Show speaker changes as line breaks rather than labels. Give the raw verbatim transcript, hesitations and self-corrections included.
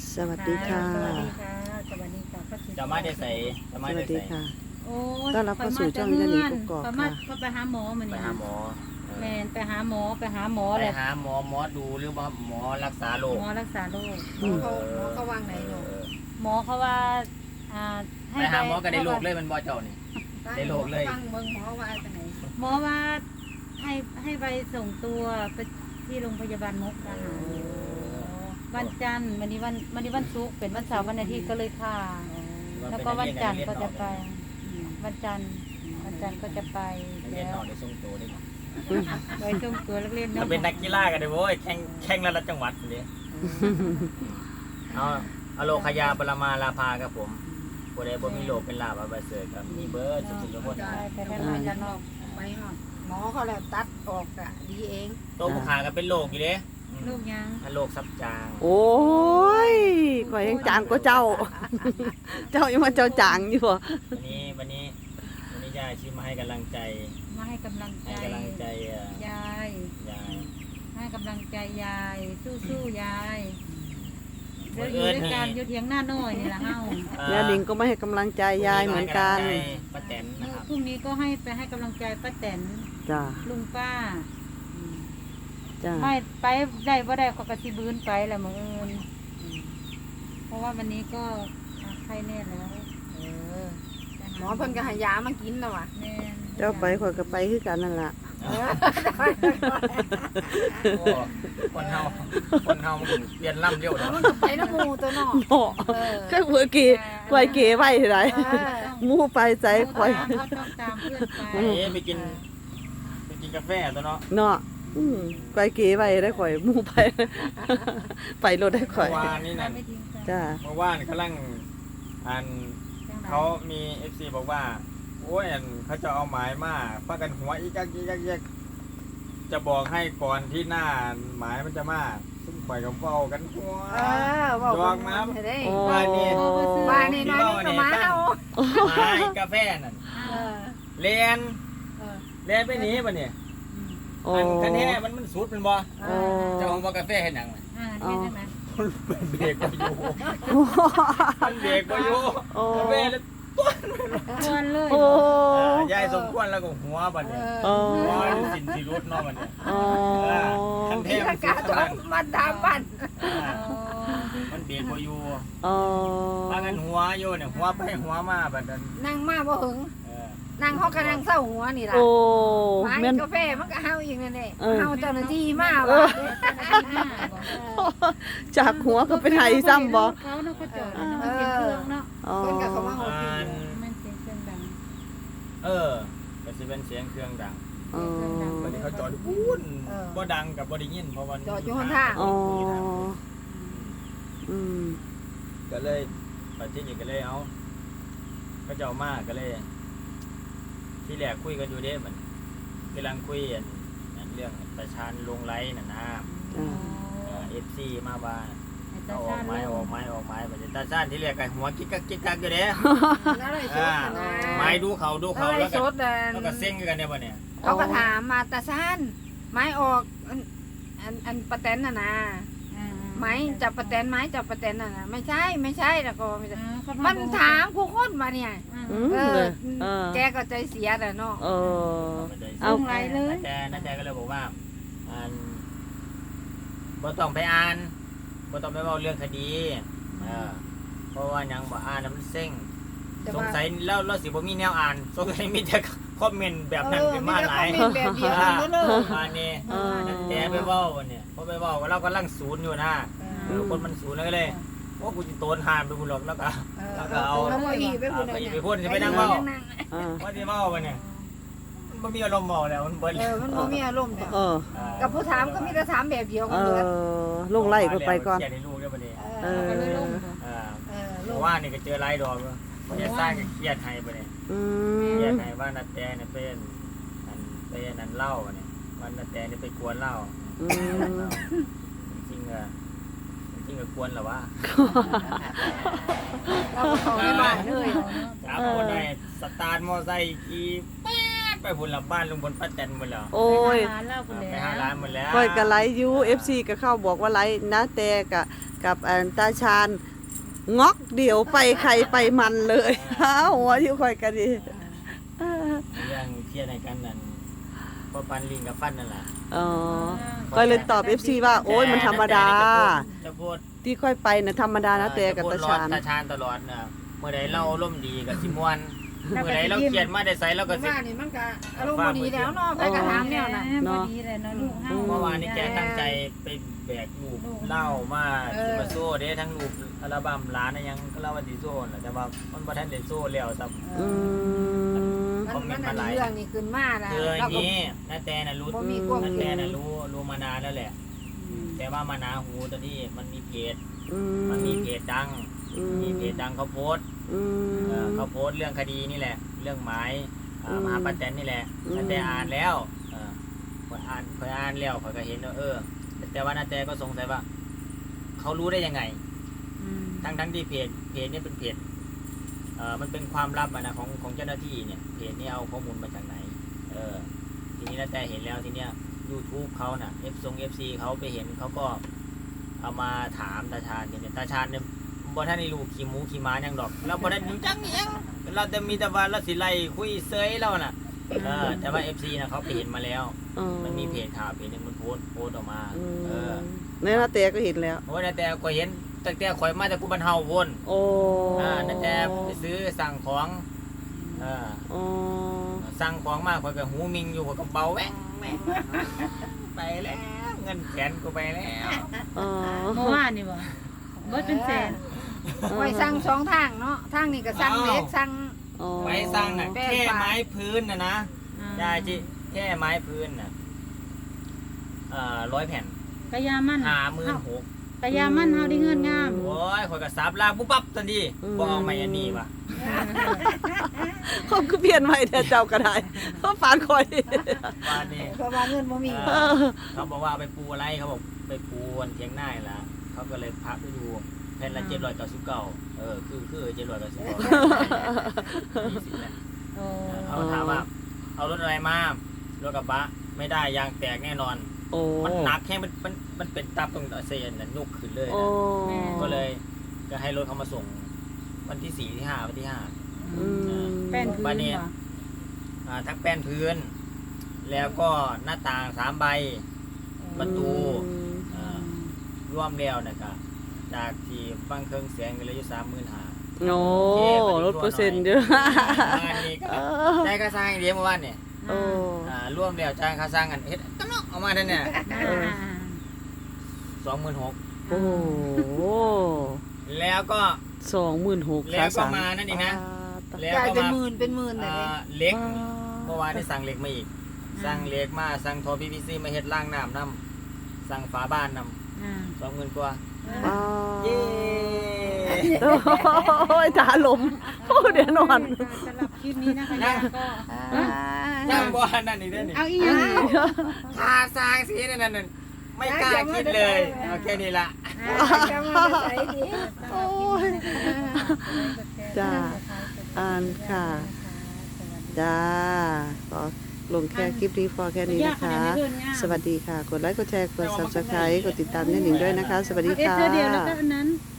สวัสดีค่ะ
สวัสดีค่ะสวัสดีค่ะป้าศรี
จะมาได้ใส่จะ
ส
มา
วั
ได้
สดี
ใส่
ค่ะ
โอ้ย
ต้อนรับเข้าสู่ช่องยานีกกอก
ไป
ค่ะ
มาเขาไปหาหมอมา
ไป
เนี่ย
หาหมอเออ
แมนไปหาหมอไปหาหมอ
ไป
เลย
หาหมอหมอดูหรือว่าหมอรักษาโรค
หมอรักษาโรค
อืม
เขาหมอเขาวางไหนหนู
เออ
หมอเขาว่าอ่าให้
ไปหาหมอก็ได้โรคเลยมันบ่เจ้านี่ ได้โรคเลย
ฟังเบิ่งหมอว่าจังไหน
หมอว่าให้ให้ไปส่งตัวไปที่โรงพยาบาลมุกดาหารวันจันทร์วันนี้วันวันนี้วันศุกร์เป็นวันเสาร์วันอาทิตย์ก็เลยค่ะ แล้วก็วันจันทร์ก็จะไปอืมวันจันทร์วันจันทร์ก็จะไป
เรียน
แล้
น
ว
อกได้ส่งตัวได้
ไปส่งตัวนักเรียน
ถ้า
เนาะ
เป็นนักกีฬาก็ได้โว้ยแข่งแข่งระดับจังหวัดนี่เอาอโลคยาปรมาลาภาครับผมผู้ใดบ่มีโรคเป็นลาภอันเสริฐครับมีเบิร์ดสุขๆทุกคน
ไปไปทำงานกันเนาะ
ไปหอดหมอเขาแล้วตัดออกอะดีเอง
ตัวผู้ขาก็เป็นโรคอยู่เด้
ลูกยัง
อันโรคซับจาง
โอ้ยข่อยยังจางกว่าเจ้า เจ้ายังมาเจ้าจางอยู่บ่
วันนี้วันนี้วันนี้ยายชิมมาให้กำลังใจ
มาให้กำลังใจ
ให้กำลังใจเอ่อย
าย
ยาย
ให้กำลังใจยายสู้ๆยายเดี๋ยวอยู่ด้วยกันอยู่เถียงหน้าน้อยนี่แหละเฮา
ยานิงก็ไม่ให้กำลังใจยายเหมือนกัน
ให้ำลังใจป้าแตนนะครับ
พรุ่งนี้ก็ให้ไปให้กำลังใจป้าแตน
จ้า
ลุงป้า
จ้า
ไม่ไปได้บ่ได้ก็กระสิบืนไปแหละมื้ออื่นเพราะว่าวันนี้ก็ไข้แน่แล้ว
เออหมอเพิ่นก็ให้ยามากินแล้วว่ะ
แม่
เจ้าไปข่อยก็ไปคือกันนั่นล่ะ
เออ
โอ้คนเฮาคนเฮามันเปลี่ยนล่ำเร็ว
แล้
เนาะ
วมันก็ไปน้ำหมูตัวเนอก
เนาะ
เออ
แค่เมื่อกี้ข่อยเก๋ไว้เท่าไหร่
เออ
หมู่ไปใจข่อย
เขาต้องตามเพื่อนไป
เอ๊ะไปกินไปกินกาแฟตัวเนาะ
เนาะอืมข่อยเก๋ไว้ได้ข่อยหมู่ไป ไปรถได้ข่อย
เมื่อวานนี่นั่น
ไม่ทิ้งกัน
จ้า
เมื่อวานกำลังอันเขามี เอฟ ซี บอกว่าโอ้ยอันเขาจะเอาหมายมาพากันหัวอีกยักอีกยักอีกยักจะบอกให้ก่อนที่หน้าหมายมันจะมาซุ่มข่อยกับเฝ้ากันหัว
เออเว่า
ดองน้ำ
เพิ่นได้
โอ้
บ้านนี่
บ้านนี่น้อยนี่ก็มาเอา
หมายกาแฟนั่น
เออ
เลียน
เออ
เลียนไปหนีป่ะเนี่ย
โอ้
อันคันนี้มันมันสุดเป็นบ่
โอ้
เจ้าของบ่กาแฟเห็นหยังน่ะ
อ่าเห็นใช่ไหม
มันเบรกบ่อยู่มันเบรกบ่อยู่
โอ้
กาแฟเลย
ควรเลย
โอ้
อ่ายายสมควรแล้วก็หัวบัดเนี่ย
โอ้
หัวสินสิรุดเนาะบัดเนี่ย
โอ้
คันเท
ที่
พ
อากาศต้องมาตามบ้าน
อ่ามันเบรกบ่อยู่
โอ้
พากันหัวอยู่เนี่ยหัวไปหัวมาบัดนั้น
นั่งมาบ่หึง
เออ
นั่งเฮาก็นั่งเศร้าหัวนี่ล่ะ
โอ้
ไม้
แม่น
กาแฟมันก็เฮาอีกนั่นแหละ
เออ
เฮาเจ้าหน้าที่มา
เอ
ว่ะ
อ จากหัวก็เป็นไห้ซ้ำบ่
เขาเนาะเขาจอดเนาะมันเป็นเครื่องเนาะ
อ๋อ
เพิ่นก็เข้ามาเอา
อ่า
พี่
มันเป็นเครื่องดัง
เออก็สิเป็นเสียงเครื่องดัง
อ๋อ
บัดนี้เขาจอดปุ้นบ่ดังกับบ่ได้ยินเพราะว่า
จอดอยู่ข้างทาง
อ๋ออืม
ก็เลยปัจจุบันก็เลยเอาก็จะเอามาก็เลย ที่แรกคุยกันอยู่เด้เหมือนกำลังคุยอันอันเรื่องประชานลงไลน์น่ะนะ
จ้า
เอฟซีมาว่า
ให้ตา
เอาอ
ชา
อก
ติ
ไม้ออกไม้ออกไม้บัดนี้ตาชานที่เรียกกันหัวกิ๊กกักกิ๊กกักอยู่เด้
แล้วเลยส
อ่า
ดนะ
ไม้ดูเขาดูเขา
แล้
แล้ว ว
ส
ก็
ดเดิน
แล้วก็เซ็งกันเนี่ยบ่เนี่ย
เขาก็ถามมาตาซ่านไม้ออกอันอันอันปะแตนน่ะนะไม้จับปะแตนไม้จับปะแตนน่ะนะไม่ใช่ไม่ใช่แล้วก็ไม่ใช่มันถามผู้คนมาเนี่ย
อืม
เอ
เล
อย
เออ
แกก็ใจเสียแหละเนาะ
เออ
เอา
เอา
ไรเลย
นาแจนาแจก็เลยบอกว่าอันบ่ต้องไปอ่านบ่ต้องไปเว้าเรื่องคดีเออเพราะว่าหยังบ่อ่านน่ะมันเซ็ง
แต่
สง
ว่า
สัยแล้วเราสิบ่มีแนวอ่านสงสัยมีแต่คอมเมนต์แบบนั้นขึ้นมาหลาย
เออมีแต่คอมเมนต์แบบเดียวกันเลย
อันนี้
เออ
แต่ไปเว้าวันเนี่ยพอไปเว้าว่าเรากำลังศูนย์อยู่นะเออคนมันศูนย์แล้วก็เลยว่ากูจะโตนหานไปบุญหรอกแล้วก็ แล้วก็เอา
แล้วก็อีไปพูด
ไป
เนี่ย
ไปพูดจะไปนั่งเว้า
อ่า
ว่าที่เว้าวันเนี่ยมันบ่มีอารมณ์เว้าแล้วมันเบิด
เออมันบ่มีอารมณ์เนี่ย
เออ
กับผู้ถามก็มีแต่ถามแบบเดียว
เอ
กันเลย
อลงไล่ก็ไปก่อน
เขียนให้ลูกได้บ่เนี่ย
เออ
ก็เลยลง
อ่า
เออ
เพ
ลูก
ราะว่านี่ก็เจอหลายดอกแล้วบ่ได้สร้างก็เครียดให้บ่เนี่ย
อื
เครียด
ม
ให้ว่านาแตเนี่ยเป็นอันเป็นอันเล่าเนี่ยวันนาแตเนี่ยไปกวนเหล้า
อืม
จริงๆอะจริงๆก็ควรเหรอวะ
เราก็เข้าในบ้านเลย
ครับคนไหนสตาร์ทมอไซค์ขี่แป๊ดไปพุ่นละบ้านลุงพลป้าแตนหมดแล้ว
โอ้ย
ไปหาร้านเหล้าคุณ
ไป
แล้ว
หาร้านหมดแล้ว
ค่อยก็ไลฟ์อยู่ เอฟ ซี ก็เข้าบอกว่าไลฟ์นะแต่กับกับอันตาชาญงอกเดี๋ยวไปใครไปมันเลยอ้าวหัวอยู่ค่อยก็ดี
เรื่องเครียดในกันนั่นพอปันลิงกับฟันนั่นแหละ
อ๋อก็เลยตอบ เอฟ ซี ว่าโอ้ยมันธรรมดา
จะพูด
ที่ค่อยไปน่ะธรรมดานะแต่กับตาชาญ
ตาชานตลอดนะเมื่อใดเราอารมณ์ดีกับสิมวนเมื่อใดเราเครียดมาได้ใส่เราก็สิ
ว่านี่มันก็อารมณ์บ่ดีแล้วเนาะไปกระถามแนวน่ะ
พอดีเลยเนาะลูกเฮา
เมื่อวานนี้แกตั้งใจไปแบกลูกเหล้ามาสิมาโซ่เด้ทั้งลูกอัลบั้มร้านน่ะยังก็เล่าว่าสิโซ่น่ะแต่ว่ามันบ่ทันได้โซ่แล้วซับ
อืม
คอมเม
มัน น
ต์
อั
มาน หลาย
นี้เรื่องนี้ขึ้นมานะ
คืออย่า
เรา
ง
ก็
นี้นาแตน่ะรู้
บ่มีความ
นา
คิ
แต
ด
น่ะรู้รู้มานานแล้วแหละ แต่ว่ามานาหูตอนนี้มันมีเพจ
อื
มันมีเพจดัง
อืม
มีเพจดังเขาโพสต์
อื
เอ่อ
ม
เขาโพสต์เรื่องคดีนี่แหละ เรื่องหมายเอ่อ
อืม
มหาปัตแตนนี่แหละ
อืม
นาแตอ่านแล้วเออข้อยอ่านข้อยอ่านแล้วข้อยก็เห็นว่าเออ แต่ว่านาแตก็สงสัยว่า เขารู้ได้ยังไง ทั้งทั้งที่เพจเพจเนี่ยเป็นเพจเอ่อมันเป็นความลับอะนะของของเจ้าหน้าที่เนี่ยเพจนี้เอาข้อมูลมาจากไหน เออ ทีนี้นาแตเห็นแล้วทีเนี้ย YouTube เขาน่ะ F ทรง เอฟ ซี เขาไปเห็นเขาก็เอามาถามตาชาญเนี่ยตาชาญเนี่ยบ่ท่านได้รู้ขี่หมูขี่ม้าหยังดอกเราบ่ได้รู้จักอิหยังเราจะมีแต่ว่าเราสิไล่คุยเซยเราน่ะเออแต่ว่า เอฟ ซี นะเขาไปเห็นมาแล้ว
อ๋อ
มันมีเพจข่าวเพจหนึงมันโพสต์โพสต์ออกมา
อืม
เออ
เนี่ยนะแต่ก็เห็นแล้ว
โอ้ยแต่ก็เห็นตั้งแต่ข่อยมาจากกูบ้านเฮาพุ่น
โอ้
อ่านั่นแต่ไปซื้อสั่งของเออ
อ๋อ
สั่งของมาข่อยก็หูมิงอยู่ข่อยก็เบาแหวงแหวงไปแล้วเงินแสนกูไปแล้ว
อ๋อ
เมื่อวานนี่บ่เบิดเป็นแสน
ไว้สั่งสองทางเนาะทางนี้ก็สั่งเล็กสั่ง
อ๋อ
ไว้สร้างน่ะ
แป้ง
แค่
ปลา
ไม้พื้นน่ะนะยายจิแค่ไม้พื้นน่ะเอ่อร้อยแผ่น
กะยามัน
ห้าหมื่นหก
กะยามันเฮาได้เงินงาม
โอ้ยข่อยก็สับลากปุ๊บปั๊บทันทีบ่เอาไม่อันนี้ว่ะ
เขาคือเปลี่ยนใหม่แต่เจ้าก็ได้เขาฝานคอย
ว่านี่
เพราะว่าเงินบ่มี
เออเขาบอกว่าเอาไปปูอะไรเขาบอกไปปูบนเทียงหน้านี่ล่ะเขาก็เลยพักไปดูแผ่นละเจ็ดร้อยเก้าสิบเก้าเออคือคือเจ็ดร้อยเก้าสิบเก้ายี่สิบแหละ
โอ้
เขาถามว่า เอารถอะไรมารถกระบะไม่ได้ยางแตกแน่นอน
โอ้
มันหนักแค่มันมันมันเป็นตับตรงเซนน่ะนุกขึ้นเลย
โอ้
นะ ก็เลยก็ให้รถเขามาส่งวันที่สี่ที่ห้าวันที่ห้า
อืม
แป้นพื้น
บ้านนี้
บ่
อ่าทั้งแป้นพื้น แล้วก็หน้าต่างสามใบ ประตู อ่าร่วมแล้วนะครับจากที่บางเครื่องเสียงกันเลยอยู่สามหมื่นห้า
โอ้ลดเปอร์เซ็นต์เยอะ
งานนี้ก็
เออ
ได้ค่าสร้างอย่างเดียวเมื่อวานเนี่ย
โอ้
อ่าร่วมแล้วจ่ายค่าสร้างกันเฮ็ดตั้งเนาะเอามาเท่าเนี่ย
อ่า
สองหมื่นหก
โอ้โห
แล้วก็
สองหมื่นหก
แล้วก็มานั่นอีกนะ แล้ว
จ่าย
ก็
เป็น
มา
หมื่นเป็นหมื่นเลย
อ่าเหล็กเมื่อวานได้สั่งเหล็กมาอีก สั่งเหล็กมาสั่งทอพีพีซีมาเฮ็ดล่างน้ำน้ำสั่งฝาบ้านน้
อ่า
ำสองหมื่นกว่า
อ๋อ
เย้
โอ้ยตาลมโอ้เดี๋ยวนอน
สำหรับคลิปนี้นะคะย่าก็
ยังบ่นั่นอีกเด้อนี่
เอาอีหยัง
ค่าสร้างสีนั่นนั่นไม่กล้าคิดเลยเอาแค่นี้ละ
จะมาใส่ดี
โอ้ย จ้าอ่านค่ะ จ้าขอลงแค่คลิปนี้พอแค่นี้นะคะ สวัสดีค่ะ กดไลค์ กดแชร์ กด ซับสไครบ์ กดติดตามแน่หนิงด้วยนะคะ สวัสดี
เอส
ค่ะ
เธอเดียวแล้วก็อันนั้น